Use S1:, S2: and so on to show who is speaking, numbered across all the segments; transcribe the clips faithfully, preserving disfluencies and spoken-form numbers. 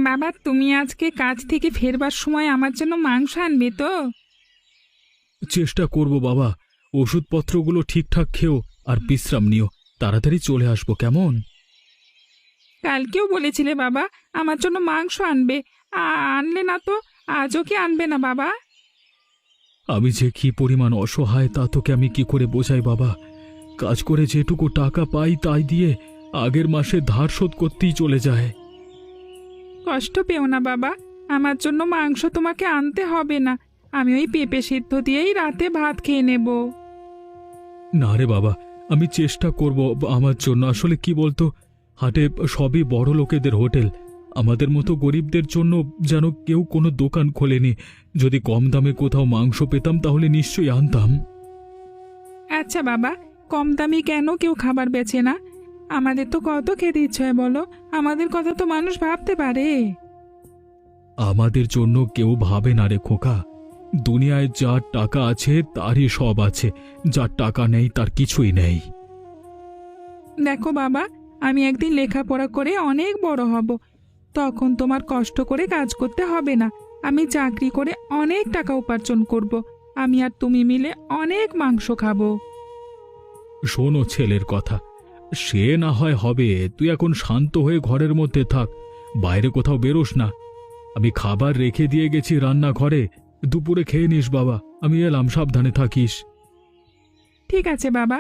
S1: বাবা, তুমি আজকে কাজ থেকে ফেরবার সময় আমার জন্য মাংস আনবে তো?
S2: চেষ্টা করব বাবা। ওষুধপত্রগুলো ঠিকঠাক খেও আর বিশ্রাম নিও। তাড়াতাড়ি চলে আসবো, কেমন?
S1: কালকেও বলেছিলে বাবা আমার জন্য মাংস আনবে, আ- আনলে না তো? আজও কি আনবে না বাবা?
S2: আমি যে কি পরিমাণ অসহায় তা তোকে আমি কি করে বোঝাই বাবা। কাজ করে যেটুকু টাকা পাই তাই দিয়ে আগের মাসে ধার শোধ করতেই চলে যায়।
S1: কষ্ট পেও না বাবা, আমার জন্য মাংস তোমাকে আনতে হবে না। আমি ওই পেঁপে সিদ্ধ দিয়েই রাতে ভাত খেয়ে নেব।
S2: না রে বাবা, আমি চেষ্টা করব আমার জন্য। আসলে কি বলতো, হাটে সবই বড় লোকেদের হোটেল। আমাদের মতো গরিবদের জন্য যেন কেউ কোনো দোকান খোলেনি। যদি কম দামে কোথাও মাংস পেতাম তাহলে নিশ্চয়ই আনতাম।
S1: আচ্ছা বাবা, কম দামি কেন কেউ খাবার বেচে না? আমাদের তো কত খেতে ইচ্ছে হয় বলো, আমাদের কথা তো মানুষ ভাবতে পারে।
S2: আমাদের জন্য কেউ ভাবে না রে খোকা। দুনিয়ায় যার টাকা আছে তারই সব আছে, যার টাকা নেই তার কিছুই নেই।
S1: দেখো বাবা, আমি একদিন লেখাপড়া করে অনেক বড় হব, তখন তোমার কষ্ট করে কাজ করতে হবে না। আমি চাকরি করে অনেক টাকা উপার্জন করব। আমি আর তুমি মিলে অনেক মাংস খাবো।
S2: শোনো ছেলের কথা, সে না হয় হবে। তুই এখন শান্ত হয়ে ঘরের মধ্যে থাক, বাইরে কোথাও বেরোস না। আমি খাবার রেখে দিয়ে গেছি রান্নাঘরে, দুপুরে খেয়ে নিস বাবা। আমি এলাম, সাবধানে থাকিস।
S1: ঠিক আছে বাবা।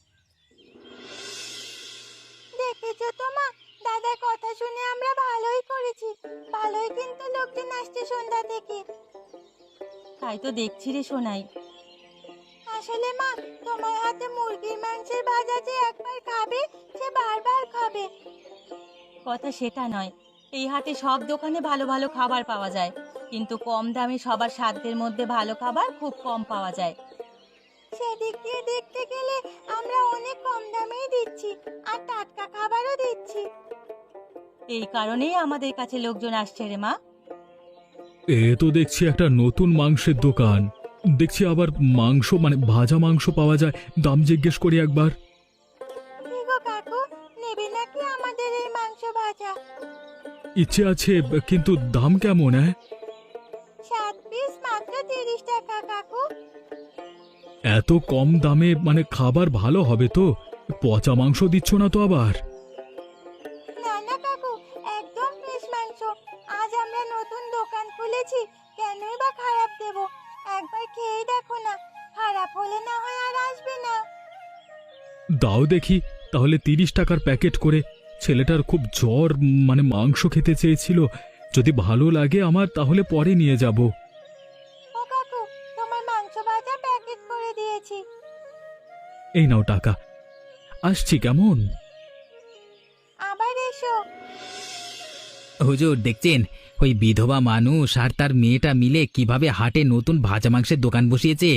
S3: দেখেছো তো মা, দাদার কথা শুনে আমরা ভালোই করেছি। ভালোই কিন্তু লোকজন আসছে সন্ধ্যা থেকে। তাই তো দেখছি রে সোনাই। আসলে মা, তোমার হাতে মুরগির মাংসের ভাজা যে একবার খাবে সে বারবার খাবে। কথা সেটা নয়, এই হাটে সব দোকানে ভালো ভালো খাবার পাওয়া যায়, কিন্তু কম দামে সবার সাধ্যের মধ্যে ভালো খাবার খুব কম পাওয়া যায়। সেদিক দিয়ে দেখতে গেলে আমরা অনেক কম দামেই দিচ্ছি আর টাটকা খাবারও দিচ্ছি। এই কারণেই আমাদের কাছে লোকজন আসছে রে মা।
S2: এ তো দেখছি একটা নতুন মাংসের দোকান। দেখছি আবার মাংস মানে ভাজা মাংস পাওয়া যায়। দাম জিজ্ঞেস করি একবার।
S3: কি গো কাকু, নেবে নাকি আমাদের এই মাংস ভাজা?
S2: ইচ্ছে আছে, কিন্তু দাম কেমন? হ্যাঁ,
S3: সাত পিস মাত্র তিরিশ টাকা কাকু।
S2: এত কম দামে মানে খাবার ভালো হবে তো? পচা মাংস দিচ্ছ না তো আবার?
S3: না না কাকু, একদম ফ্রেশ মাংস। আজ আমরা নতুন দোকান খুলেছি, কেনই বা খারাপ দেব? একবার খেয়ে দেখো না, খারাপ হলে না হয় আর আসবে না।
S2: দাও দেখি তাহলে তিরিশ টাকার প্যাকেট করে। ছেলেটার খুব জ্বর, মানে মাংস খেতে চেয়েছিল। যদি ভালো লাগে আমার তাহলে পরে নিয়ে যাব।
S3: ও কাকু, তোমার মাংস ভাজা প্যাকেট করে দিয়েছি।
S2: এই নাও টাকা, আসছি কেমন?
S3: আবার এসো।
S4: হুজুর দেখছেন, ওই বিধবা মানুষ আর তার মেয়েটা মিলে কিভাবে হাটে নতুন ভাজা মাংসের দোকান বসিয়েছে।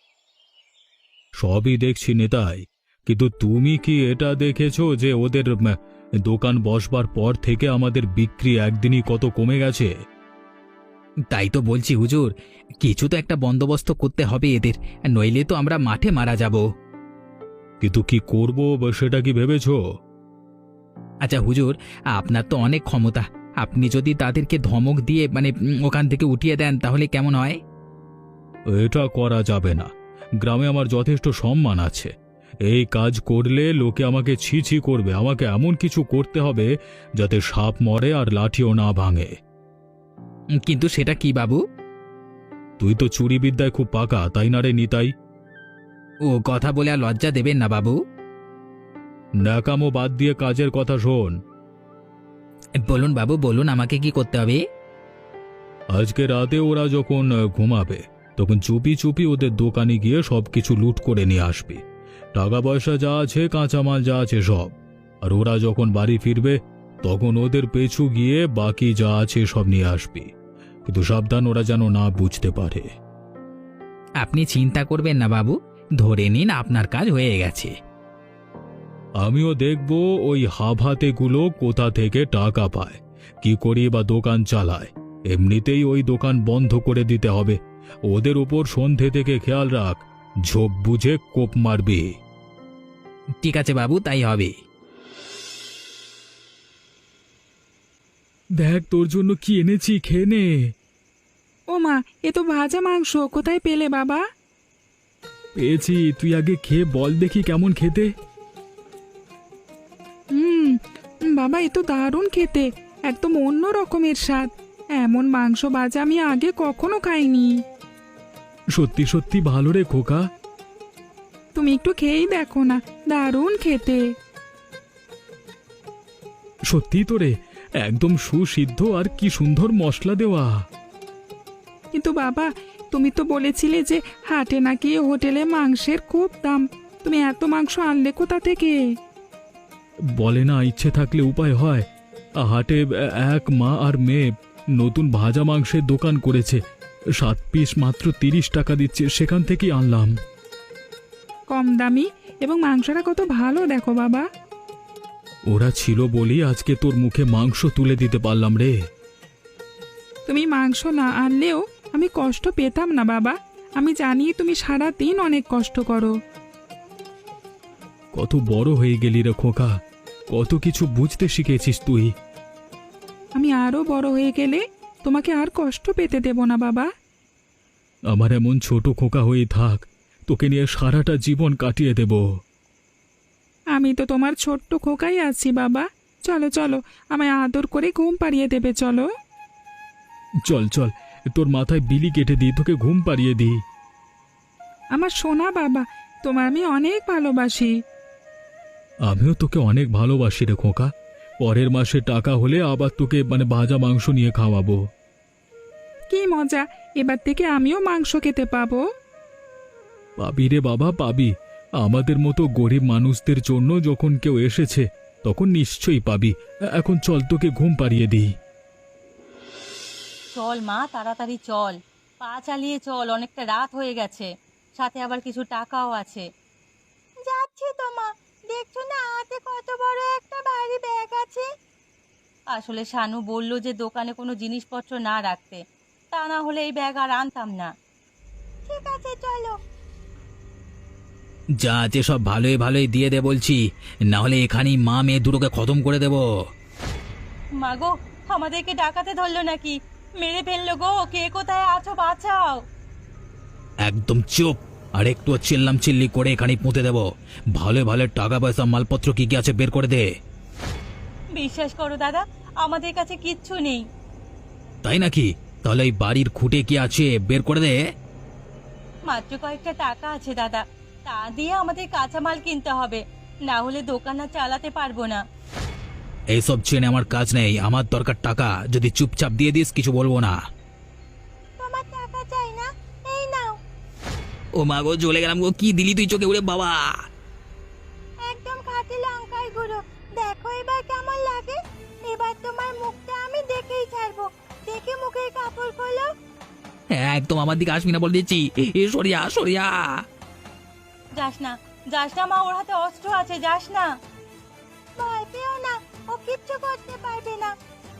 S2: সবই দেখছি নেতাই, কিন্তু তুমি কি এটা দেখেছো যে ওদের উম, দোকান বসবার পর থেকে আমাদের বিক্রি একদিনই কত কমে গেছে?
S4: তাই তো বলছি হুজুর, কিছু তো একটা বন্দোবস্ত করতে হবে এদের, নইলে তো আমরা মাঠে মারা যাব।
S2: কিন্তু কি করব সেটা কি ভেবেছো?
S4: আচ্ছা হুজুর, আপনার তো অনেক ক্ষমতা, আপনি যদি তাদেরকে ধমক দিয়ে মানে উম, ওখান থেকে উঠিয়ে দেন তাহলে কেমন হয়?
S2: এটা করা যাবে না। গ্রামে আমার যথেষ্ট সম্মান আছে। এই কাজ করলে লোকে আমাকে ছি ছি করবে। আমাকে এমন কিছু করতে হবে যাতে সাপ মরে আর লাঠিও না ভাঙে।
S4: উম, কিন্তু সেটা কি বাবু?
S2: তুই তো চুরি বিদ্যায় খুব পাকা, তাই না রে নিতাই?
S4: ও কথা বলে আর লজ্জা দেবেন না বাবু।
S2: ন্যাকামো বাদ দিয়ে কাজের কথা শোন।
S4: বলুন বাবু বলুন, আমাকে কি করতে হবে?
S2: আজকে রাতে ওরা যখন আহ, ঘুমাবে তখন চুপি চুপি ওদের দোকানে গিয়ে সবকিছু লুট করে নিয়ে আসবি। টাকা পয়সা যা আছে, কাঁচামাল যা আছে সব। আর ওরা যখন বাড়ি ফিরবে তখন ওদের পেছু গিয়ে বাকি যা আছে সব নিয়ে আসবি। কিন্তু সাবধান, ওরা যেন না বুঝতে পারে।
S4: আপনি চিন্তা করবেন না বাবু, ধরে নিন আপনার কাজ হয়ে গেছে।
S2: আমিও দেখব ওই হাভাতেগুলো কোথা থেকে টাকা পায়, কি করি বা দোকান চালায়। এমনিতেই ওই দোকান বন্ধ করে দিতে হবে। ওদের উপর সন্ধে থেকে খেয়াল রাখ, ঝোপ বুঝে কোপ মারবি।
S4: ঠিক আছে বাবু, তাই হবে।
S2: দেখ তোর জন্য কি এনেছি, খেয়ে নে।
S1: ও মা, এ তো ভাজা মাংস, কোথায় পেলে বাবা?
S2: পেয়েছি, তুই আগে খেয়ে বল দেখি কেমন খেতে।
S1: হুম, বাবা এ তো দারুণ খেতে, একদম অন্য রকমের স্বাদ। এমন মাংস ভাজা আমি আগে কখনো খাইনি।
S2: সত্যি সত্যি ভালো রে খোকা।
S1: তুমি একটু খেয়েই দেখো না, দারুণ খেতে।
S2: সত্যি তো রে, একদম সুসিদ্ধ আর কি সুন্দর মশলা দেওয়া।
S1: কিন্তু বাবা, তুমি তো বলেছিলে যে হাটে নাকি হোটেলে মাংসের খুব দাম। তুমি এত মাংস আনলে কোথা থেকে?
S2: বলে না ইচ্ছে থাকলে উপায় হয়। হাটে এক মা আর মেয়ে নতুন ভাজা মাংসের দোকান করেছে, সাত পিস মাত্র তিরিশ টাকা দিচ্ছে, সেখান থেকেই আনলাম।
S1: কম দামি এবং মাংসটা কত ভালো দেখো বাবা।
S2: ওরা ছিল বলি আজকে তোর মুখে মাংস তুলে দিতে পারলাম রে।
S1: তুমি মাংস না আনলেও আমি কষ্ট পেতাম না বাবা। আমি জানি তুমি সারা দিন অনেক কষ্ট করো।
S2: কত বড় হয়ে গেলি রে খোকা, কত কিছু বুঝতে শিখেছিস তুই।
S1: আমি আরো বড় হয়ে গেলে তোমাকে আর কষ্ট পেতে দেব না বাবা।
S2: আমার এমন ছোট খোকা হয়ে থাক, তোকে নিয়ে সারাটা জীবন কাটিয়ে দেব।
S1: আমি তো তোমার ছোট্ট খোকাই আছি বাবা। চলো চলো, আমায় আদর করে ঘুম পাড়িয়ে দেবে, চলো।
S2: চল চল, তোর মাথায় বিলি কেটে দিই, তোকে ঘুম পাড়িয়ে দিই।
S1: আমার সোনা বাবা, তোমার আমি অনেক ভালোবাসি।
S2: আমিও তোকে অনেক ভালোবাসি রে খোকা। পরের মাসে টাকা হলে আবার তোকে মানে ভাজা মাংস নিয়ে খাওয়াবো।
S1: কি মজা, এবার থেকে আমিও মাংস খেতে পাবো।
S2: পাবি রে বাবা, পাবি। আমাদের মতো গরিব মানুষদের জন্য যখন কেউ এসেছে তখন নিশ্চয়ই পাবি। এখন চল, তোকে ঘুম পাড়িয়ে দিই।
S3: চল মা, তাড়াতাড়ি চল, পা চালিয়ে চল, অনেকটা রাত হয়ে গেছে, সাথে আবার কিছু টাকাও আছে। যাচ্ছি তো মা, দেখছো না হাতে কত বড় একটা ভারী ব্যাগ আছে। আসলে শানু বলল যে দোকানে কোনো জিনিসপত্র না রাখতে, তা না হলে এই ব্যাগ আর আনতাম না। ঠিক আছে চলো।
S4: যা আছে সব ভালোই ভালোই দিয়ে দে বলছি, না হলে এখানেই মা মেয়ে দুটোকে খতম করে দেব।
S3: মাগো, আমাদেরকে ডাকাতে ধরলো নাকি? মেরে ফেললো গো, কে কোথায় আছো বাঁচাও।
S4: একদম চুপ, আর একটু চিল্লাম চিল্লি করে এখানেই পুঁতে দেব। ভালো ভালো টাকা পয়সা মালপত্র কি কি আছে বের করে দে।
S3: বিশ্বাস করো দাদা, আমাদের কাছে কিচ্ছু নেই।
S4: তাই নাকি? তাহলে এই বাড়ির খুঁটে কি আছে বের করে দে।
S3: মাত্র কয়েকটা টাকা আছে দাদা, তা দিয়ে আমাদের কাঁচামাল কিনতে হবে, না হলে দোকান আর চালাতে পারবো না।
S4: এইসব চেনে আমার কাজ নেই, আমার দরকার টাকা। যদি চুপচাপ দিয়ে দিস কিছু বলবো না।
S3: তোমার টাকা চাই না, এই নাও।
S4: ও মা গো, চলে গেলাম গো। কি দিলি তুই চোখে উড়ে বাবা?
S3: একদম খাঁটি লঙ্কার গুঁড়ো, দেখো এবার কেমন লাগে। এবার তোমার মুখটা আমি দেখেই ছাড়বো, দেখে মুখের কাপড় খোলো।
S4: একদম আমার দিকে আসবি না বলে দিচ্ছি। এ সরিয়া সরিয়া।
S3: যাস না, যাস না মা, ওর হাতে অস্ত্র আছে, যাস না। ভয় পেও না, ও কিচ্ছু করতে পারবে না।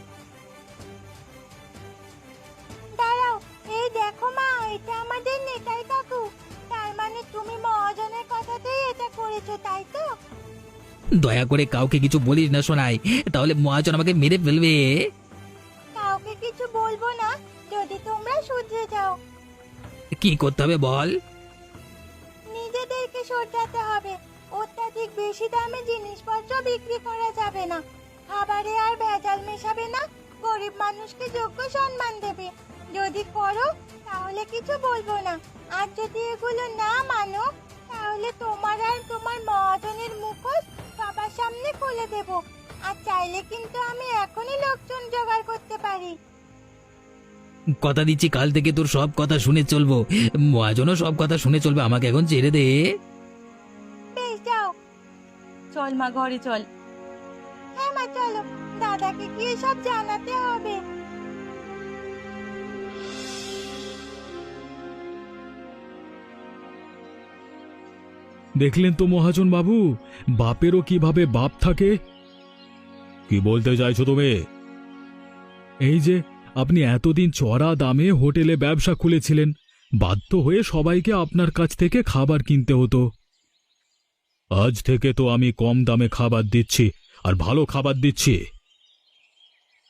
S3: দাঁড়াও, এই দেখো মা, এটা আমাদের নেতাই কাকু। তার মানে তুমি মহাজনের কথাতেই এটা করেছো, তাই তো?
S4: দয়া করে কাউকে কিছু বলিস না শোনাই, তাহলে মহাজন আমাকে মেরে ফেলবে।
S3: কাউকে কিছু বলবো না যদি তোমরা শুধরে যাও।
S4: কি করতে হবে বল?
S3: নিজেদেরকে শোধরাতে হবে। অত্যাধিক বেশি দামে জিনিসপত্র বিক্রি করা যাবে না, খাবারে আর ভেজাল মেশাবে না, গরিব মানুষকে যোগ্য সম্মান দেবে। যদি করো তাহলে কিছু বলবো না, আর যদি এগুলো না মানো তাহলে তোমার আর তোমার মহাজনের মুখোশ সবার সামনে খুলে দেব। আর চাইলে কিন্তু আমি এখনই লোকজন জোগাড় করতে পারি।
S4: কথা দিচ্ছি কাল থেকে তোর সব কথা শুনে চলবো। মহাজনও সব কথা শুনে চলবে, আমাকে এখন ছেড়ে দে।
S3: বেশ যাও। চল মা, ঘরে চল। হ্যাঁ মা চলো, দাদাকে গিয়ে সব জানাতে হবে।
S2: দেখলেন তো মহাজন বাবু, বাপেরও কিভাবে বাপ থাকে। কি বলতে চাইছো তুমি? এই যে আপনি এতদিন চড়া দামে হোটেলে ব্যবসা খুলেছিলেন, বাধ্য হয়ে সবাইকে আপনার কাছ থেকে খাবার কিনতে হতো। আজ থেকে তো আমি কম দামে খাবার দিচ্ছি, আর ভালো খাবার দিচ্ছি।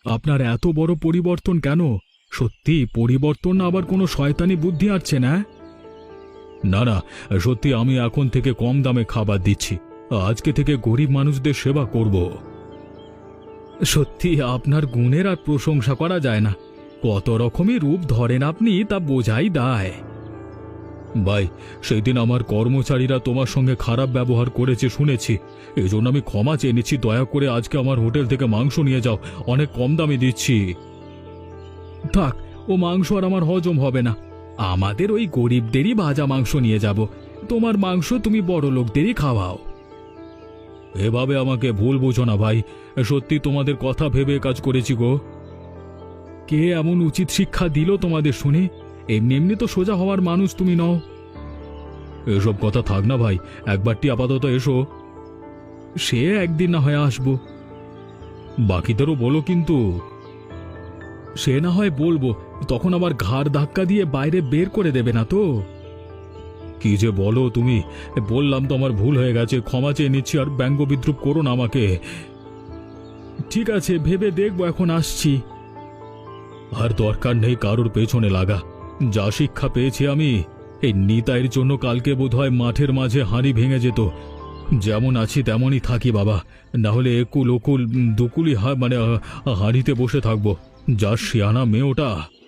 S2: আপনার এত বড় পরিবর্তন কেন? সত্যি পরিবর্তন না আবার কোনো শয়তানি বুদ্ধি আসছে না? না না, সত্যি আমি এখন থেকে কম দামে খাবার দিচ্ছি। আজকে থেকে গরিব মানুষদের সেবা করব। সত্যি আপনার গুণের আর প্রশংসা করা যায় না। কত রকমের রূপ ধরেন আপনি তা বোঝাই দায়। ভাই, সেই দিন আমার কর্মচারীরা তোমার সঙ্গে খারাপ ব্যবহার করেছে শুনেছি, এই জন্য আমি ক্ষমা চেয়ে নিচ্ছি। দয়া করে আজকে আমার হোটেল থেকে মাংস নিয়ে যাও, অনেক কম দামে দিচ্ছি। থাক, ও মাংস আর আমার হজম হবে না। আমাদের ওই গরিবদেরই ভাজা মাংস নিয়ে যাব। তোমার মাংস তুমি বড় লোকদেরই খাওয়াও। এভাবে আমাকে ভুল বোঝো না ভাই, সত্যি তোমাদের কথা ভেবে কাজ করেছি গো। কে এমন উচিত শিক্ষা দিল তোমাদের শুনে? এমনি এমনি তো সোজা হওয়ার মানুষ তুমি নও। এসব কথা থাক না ভাই, একবারটি আপাতত এসো। সে একদিন না হয় আসবো। বাকিদেরও বলো কিন্তু। সে না হয় বলবো, তখন আবার ঘাড় ধাক্কা দিয়ে বাইরে বের করে দেবে না তো? কি যে বলো তুমি! বললাম তো আমার ভুল হয়ে গেছে, ক্ষমা চেয়ে নিচ্ছি। আর ব্যঙ্গ বিদ্রুপ করো না আমাকে। ঠিক আছে, ভেবে দেখবো, এখন আসছি। আর দরকার নেই কারোর পেছনে লাগা। যা শিক্ষা পেয়েছি আমি, এই নিতাইয়ের জন্য কালকে বোধহয় মাঠের মাঝে হাঁড়ি ভেঙে যেত। যেমন আছি তেমনই থাকি বাবা, না হলে একুল ওকুল দুকুলি হা মানে আহ, হাঁড়িতে বসে থাকবো। যা শিয়ানা মেয়ে ওটা।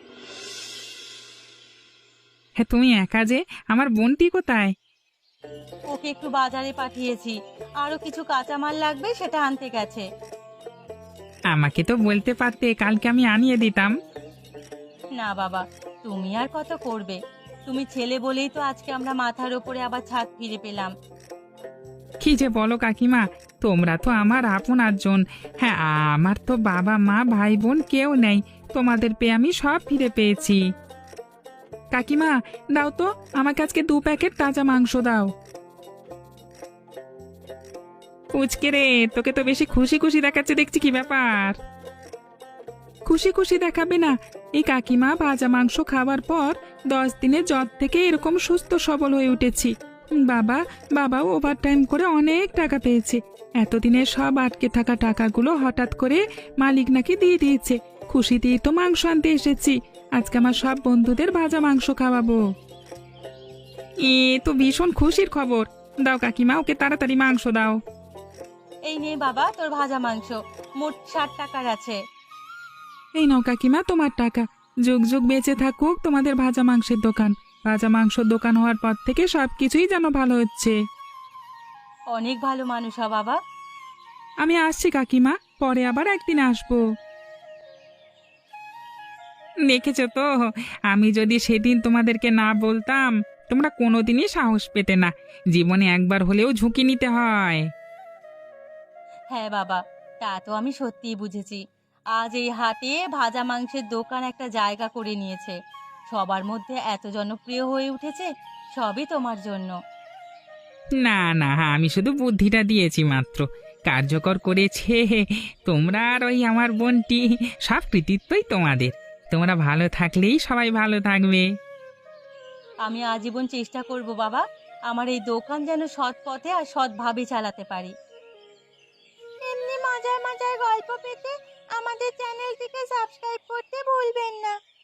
S1: হ্যাঁ, তুমি একা যে, আমার বোনটি কোথায়?
S3: ওকে একটু বাজারে পাঠিয়েছি, আরো কিছু কাঁচামাল লাগবে সেটা আনতে গেছে।
S1: আমাকে তো বলতে পারতে, কালকে আমি আনিয়ে দিতাম।
S3: না বাবা, তুমি আর কত করবে? তুমি ছেলে বলেই তো আজকে আমরা মাথার ওপরে আবার ছাদ ফিরে পেলাম।
S1: কি যে বলো কাকিমা, তোমরা তো আমার আপন আটজন। হ্যাঁ, আমার তো বাবা মা ভাই বোন কেউ নেই, তোমাদের পেয়ে আমি সব ফিরে পেয়েছি। কাকিমা, দাও তো আমাকে আজকে দু প্যাকেট তাজা মাংস দাও। পুচকে রে, তোকে তো বেশি খুশি খুশি দেখাচ্ছে দেখছি, কি ব্যাপার? খুশি খুশি দেখাবে না? এই কাকিমা ভাজা মাংস খাওয়ার পর দশ দিনের জ্বর থেকে এরকম সুস্থ সবল হয়ে উঠেছি। বাবা বাবাও ওভারটাইম করে অনেক টাকা পেয়েছে। এতদিনের সব আটকে থাকা টাকাগুলো হঠাৎ করে মালিক নাকি দিয়ে দিয়েছে। খুশি দিয়ে তো মাংস আনতে এসেছি। আজকে আমার সব বন্ধুদের ভাজা মাংস খাওয়াবো। এ তো ভীষণ খুশির খবর। দাও কাকিমা, ওকে তাড়াতাড়ি মাংস দাও।
S3: এই নে বাবা তোর ভাজা মাংস, মোট ষাট টাকার আছে।
S1: এই নাও কাকিমা তোমার টাকা। যুগ যুগ বেঁচে থাকুক তোমাদের ভাজা মাংসের দোকান। ভাজা মাংসের দোকান হওয়ার পর থেকে সবকিছুই যেন ভালো হচ্ছে।
S3: অনেক ভালো মানুষ হ বাবা।
S1: আমি আসছি কাকিমা, পরে আবার একদিন আসবো। দেখেছো তো, আমি যদি সেদিন তোমাদেরকে না বলতাম, তোমরা কোনোদিনই সাহস পেতে না। জীবনে একবার হলেও ঝুঁকি নিতে হয়।
S3: হ্যাঁ বাবা, তা তো আমি সত্যিই বুঝেছি। আজ এই হাটে ভাজা মাংসের দোকান একটা জায়গা করে নিয়েছে, সবার মধ্যে এত জনপ্রিয় হয়ে উঠেছে, সবই তোমার জন্য।
S1: না না, আমি শুধু বুদ্ধিটা দিয়েছি মাত্র, কার্যকর করেছে তোমরা আর ওই আমার বোনটি। সব কৃতিত্বই তোমাদের। তোমরা ভালো থাকলেই সবাই ভালো থাকবে।
S3: আমি আজীবন চেষ্টা করব বাবা, আমার এই দোকান যেন সৎ পথে আর সৎভাবে চালাতে পারি। এমনি মজার মজার গল্প পেতে আমাদের চ্যানেলটিকে সাবস্ক্রাইব করতে ভুলবেন না।